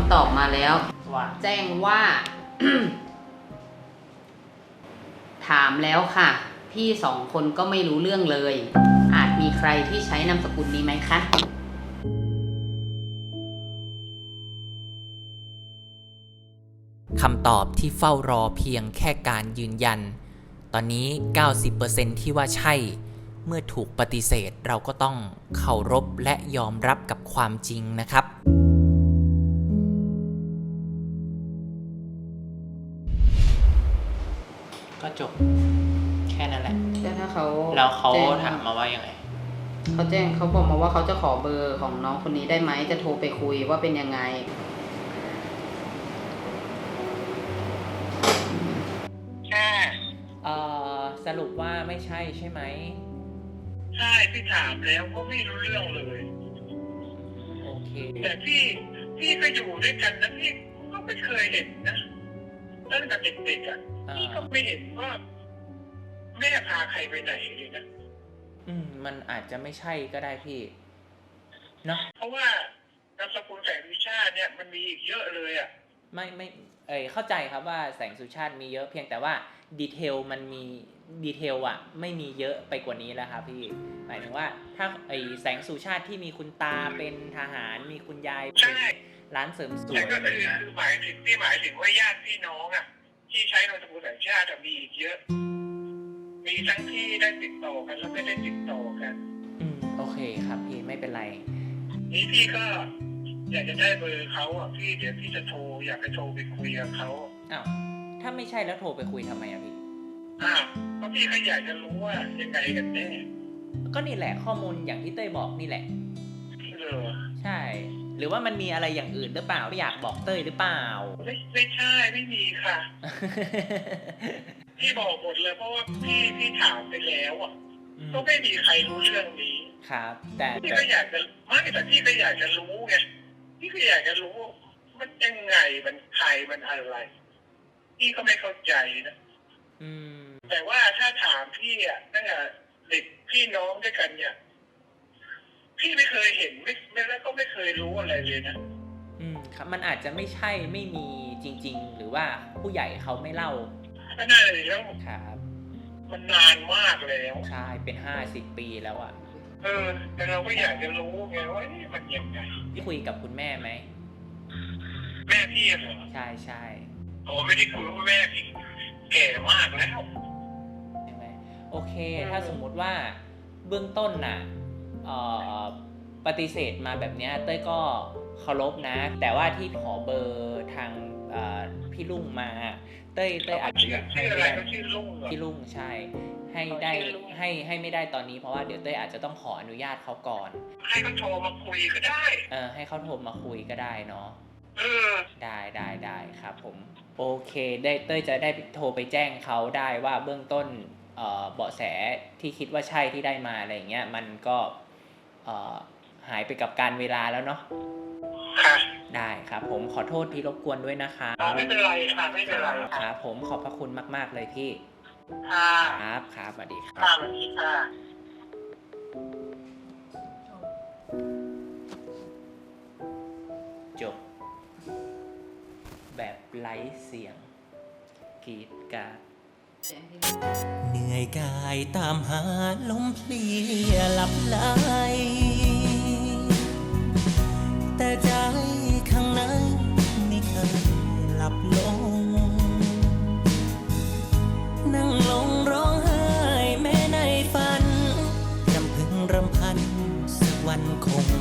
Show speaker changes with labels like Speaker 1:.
Speaker 1: ำตอบมาแล้วแจ้งว่า ถามแล้วค่ะพี่2 คนก็ไม่รู้เรื่องเลยอาจมีใครที่ใช้นามสกุลนี้ไหมคะ
Speaker 2: คำตอบที่เฝ้ารอเพียงแค่การยืนยันตอนนี้ 90% ที่ว่าใช่เมื่อถูกปฏิเสธเราก็ต้องเคารพและยอมรับกับความจริงนะครับก็จบแค่นั้นแหละ
Speaker 1: แต่ถ้าเขา
Speaker 2: แล้วเขาถามมาว่ายังไง
Speaker 1: เขาบอกมาว่าเขาจะขอเบอร์ของน้องคนนี้ได้ไหมจะโทรไปคุยว่าเป็นยังไง
Speaker 2: สรุปว่าไม่ใช่ใช่ไหม
Speaker 3: ใช่พี่ถามแล้วก็ไม่รู้เรื่องเลย
Speaker 2: โอเค
Speaker 3: แต่พี่ก็อยู่ด้วยกันนะพี่ก็ไม่เคยเห็นนะตั้งแต่เด็กๆอ่ะพี่ก็ไม่เห็นว่าแม่พาใครไปไหนเลยนะ
Speaker 2: มันอาจจะไม่ใช่ก็ได้พี่เนาะ
Speaker 3: เพราะว่านามสกุลแสงวิชาติเนี่ยมันมีอีกเยอะเลยอ่ะ
Speaker 2: ไม่เข้าใจครับว่าแสงสุชาติมีเยอะเพียงแต่ว่าดีเทลมันมีดีเทลอะไม่มีเยอะไปกว่านี้แล้วครับพี่หมายถึงว่าถ้าแสงสุชาติที่มีคุณตาเป็นทหารมีคุณยายเป็นร้านเสริมสวย
Speaker 3: ก็คือหมายถึงว่าญาติพี่น้องอ่ะที่ใช้นามสกุลแสงชาติมีอีกเยอะมีทั้งที่ได้ติดต่อกันแล้วไม่ได้ติดต่อกัน
Speaker 2: โอเคครับพี่ไม่เป็นไร
Speaker 3: นี่พี่ก็อยากจะได้เบอร์เขาอ่ะพี่เดี๋ยวพี่จะโทรอยากไปโทรไปคุยกับเขา
Speaker 2: อ้าวถ้าไม่ใช่แล้วโทรไปคุยทำไมอะพี่
Speaker 3: เพราะพี่ก็อยากจะรู้ว่ายังไงกันแน่
Speaker 2: ก็นี่แหละข้อมูลอย่างที่เต้ยบอกนี่แหละใช่หรือว่ามันมีอะไรอย่างอื่นหรือเปล่าไม่อยากบอกเต้ยหรือเปล่า
Speaker 3: ไม่ใช่ไม่มีค่ะ พี่บอกหมดเลยเพราะว่าพี่ถามไปแล้วอ่ะก็ไม่มีใครรู้เรื่องนี้
Speaker 2: ครับแต่
Speaker 3: พี่ก็อยากจะแต่พี่ก็อยากจะรู้ไงพี่ก็อยากจะรู้มันยังไงมันใครมันอะไรพี่ก็ไม่เข้าใจนะแต่ว่าถ้าถามพี่อ่ะตั้งแต่เด็กพี่น้องด้วยกันเนี่ยพี่ไม่เคยเห็นไม่แล้วก็ไม่เคยรู้อะไรเลยนะครับ
Speaker 2: มันอาจจะไม่ใช่ไม่มีจริงๆหรือว่าผู้ใหญ่เขาไม่เล่า
Speaker 3: ก็น่าเลยแล้ว
Speaker 2: ครับ
Speaker 3: มันนานมากแล้ว
Speaker 2: ใช่เป็น50 ปีแล้วอ่ะ
Speaker 3: แต่เราก็อยากจะรู้ไงว่านี่มันยังไง
Speaker 2: พี่คุยกับคุณแม่ไหม
Speaker 3: แม่พี่เหรอ
Speaker 2: ใช่
Speaker 3: โอ้ไม่ได้คุยว่าแม่พี่แก่มากแล้ว
Speaker 2: ใช่ไหมโอเคถ้าสมมุติว่าเบื้องต้นน่ะปฏิเสธมาแบบนี้เต้ยก็เคารพนะแต่ว่าที่ขอเบอร์ทางพี่ลุงมาเต้ยอาจจะ
Speaker 3: ชื่ออะไรก็ชื่อลุง
Speaker 2: พี่ลุงใช่ให้ได้ให้ไม่ได้ตอนนี้เพราะว่าเดี๋ยวเต้ยอาจจะต้องขออนุญาตเขาก่อน
Speaker 3: ให้เขาโทรมาคุยก็ได้
Speaker 2: ให้เขาโทรมาคุยก็ได้เนาะได้ครับผมโอเคได้เต้ยจะได้โทรไปแจ้งเขาได้ว่าเบื้องต้นเบาะแสที่คิดว่าใช่ที่ได้มาอะไรอย่างเงี้ยมันก็หายไปกับการเวลาแล้วเนาะได้ครับผมขอโทษที่รบกวนด้วยนะคะ
Speaker 3: ไม่เป็นไรค่ะไม่เป็นไร
Speaker 2: ครับผมขอบพระคุณมากๆเลยพี่ครับสวัสดีครับ
Speaker 3: สวัสดีค่ะ
Speaker 2: จบแบบไร้เสียงกรีดกราดเหนื่อยกายตามหาลมเพลียหลับไหลแต่ใจข้างในไม่เคยหลับลงนั่งลงร้องไห้แม้ในฝันรำพึงรำพันสักวันคง